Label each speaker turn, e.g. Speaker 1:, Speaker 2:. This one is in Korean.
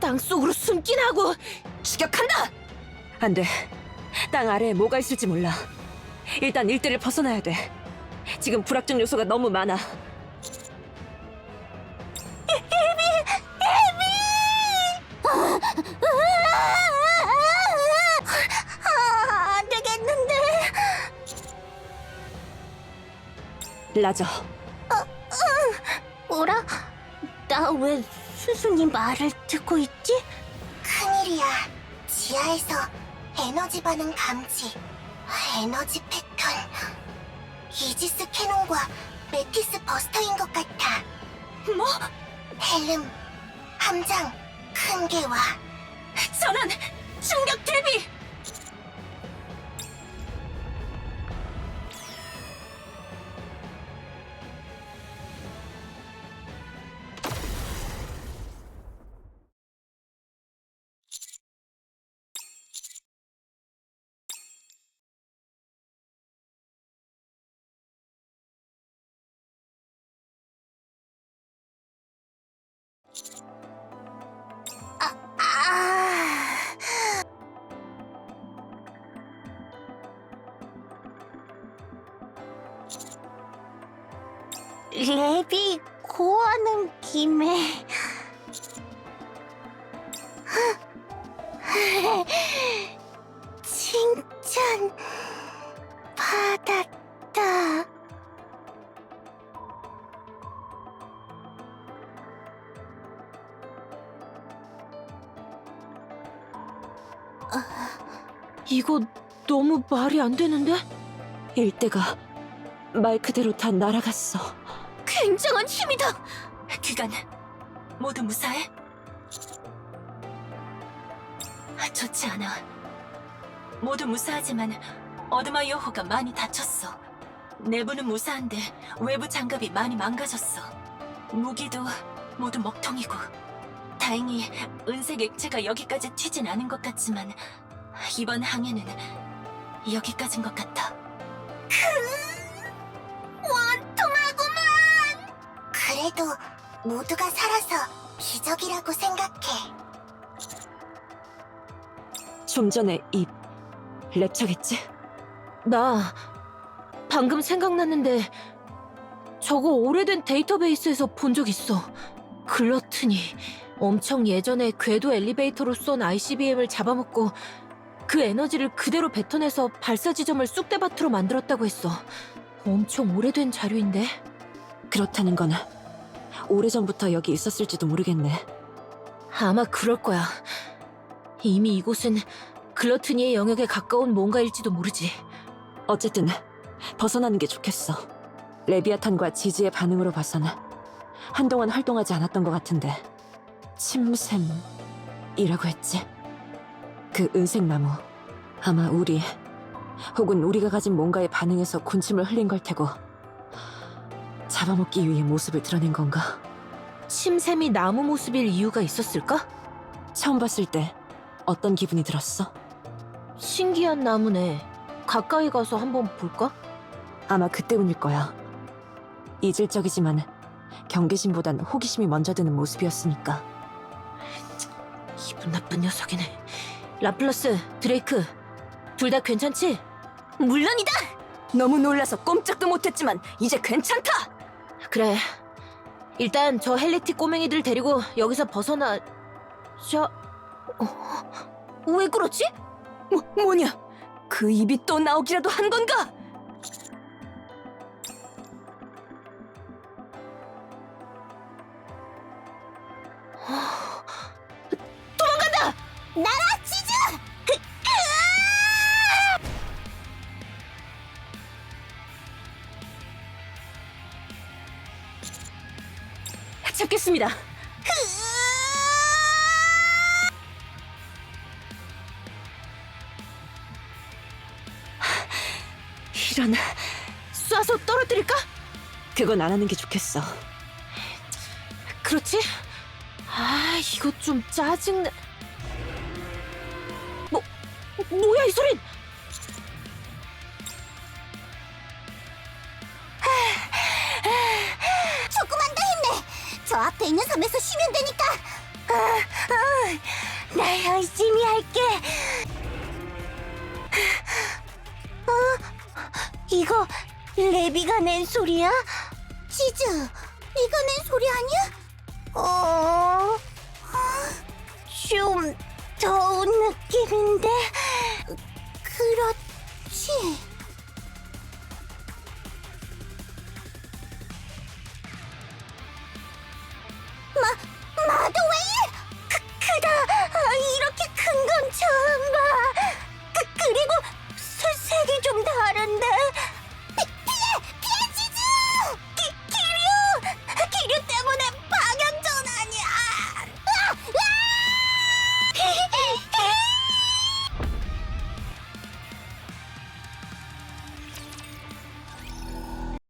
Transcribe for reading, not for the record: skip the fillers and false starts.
Speaker 1: 땅속으로 숨긴 하고 추격한다!
Speaker 2: 안 돼. 땅 아래에 뭐가 있을지 몰라. 일단 일대를 벗어나야 돼. 지금 불확정 요소가 너무 많아.
Speaker 1: 안 되겠는데.
Speaker 2: 라저,
Speaker 1: 뭐라? 나 왜 스승이 말을 듣고 있지?
Speaker 3: 큰일이야. 지하에서 에너지 반응 감지, 에너지 패턴. 이지스 캐논과 메티스 버스터인 것 같아.
Speaker 1: 뭐?
Speaker 3: 헬름, 함장, 큰 게 와.
Speaker 1: 전환! 충격 대비! 랩이 고하는 김에 칭찬 받았다.
Speaker 2: 이거 너무 말이 안 되는데? 일대가 말 그대로 다 날아갔어.
Speaker 1: 굉장한 힘이다.
Speaker 4: 그간 모두 무사해? 좋지 않아. 모두 무사하지만 어드마이어호가 많이 다쳤어. 내부는 무사한데 외부 장갑이 많이 망가졌어. 무기도 모두 먹통이고. 다행히 은색 액체가 여기까지 튀진 않은 것 같지만 이번 항해는 여기까진 것 같아.
Speaker 3: 그래도 모두가 살아서 기적이라고 생각해.
Speaker 2: 좀 전에 이 랩처겠지?
Speaker 1: 나 방금 생각났는데 저거 오래된 데이터베이스에서 본 적 있어. 글러튼이 엄청 예전에 궤도 엘리베이터로 쏜 ICBM을 잡아먹고 그 에너지를 그대로 뱉어내서 발사 지점을 쑥대밭으로 만들었다고 했어. 엄청 오래된 자료인데.
Speaker 2: 그렇다는 건 오래전부터 여기 있었을지도 모르겠네.
Speaker 1: 아마 그럴 거야. 이미 이곳은 글러트니의 영역에 가까운 뭔가일지도 모르지.
Speaker 2: 어쨌든 벗어나는 게 좋겠어. 레비아탄과 지지의 반응으로 봐서는 한동안 활동하지 않았던 것 같은데. 침샘이라고 했지? 그 은색 나무, 아마 우리 혹은 우리가 가진 뭔가에 반응해서 군침을 흘린 걸 테고 잡아먹기 위해 모습을 드러낸 건가?
Speaker 1: 침샘이 나무 모습일 이유가 있었을까?
Speaker 2: 처음 봤을 때 어떤 기분이 들었어?
Speaker 1: 신기한 나무네. 가까이 가서 한번 볼까?
Speaker 2: 아마 그 때문일 거야. 이질적이지만 경계심보단 호기심이 먼저 드는 모습이었으니까.
Speaker 1: 기분 나쁜 녀석이네. 라플러스, 드레이크, 둘 다 괜찮지? 물론이다!
Speaker 2: 너무 놀라서 꼼짝도 못했지만 이제 괜찮다!
Speaker 1: 그래. 일단 저 헬리티 꼬맹이들 데리고 여기서 벗어나... 왜 그렇지?
Speaker 2: 뭐냐? 그 입이 또 나오기라도 한 건가? 잡겠습니다. 이런...
Speaker 1: 쏴서 떨어뜨릴까?
Speaker 2: 그건 안 하는 게 좋겠어.
Speaker 1: 그렇지? 아, 이거 좀 짜증나... 뭐야 이 소린!
Speaker 3: 조금만 더 힘내. 저 앞에 있는 섬에서 쉬면 되니까. 나 열심히 할게. 이거 레비가 낸 소리야? 치즈, 네가 낸 소리 아니야? 좀 더운 느낌인데. 그렇다.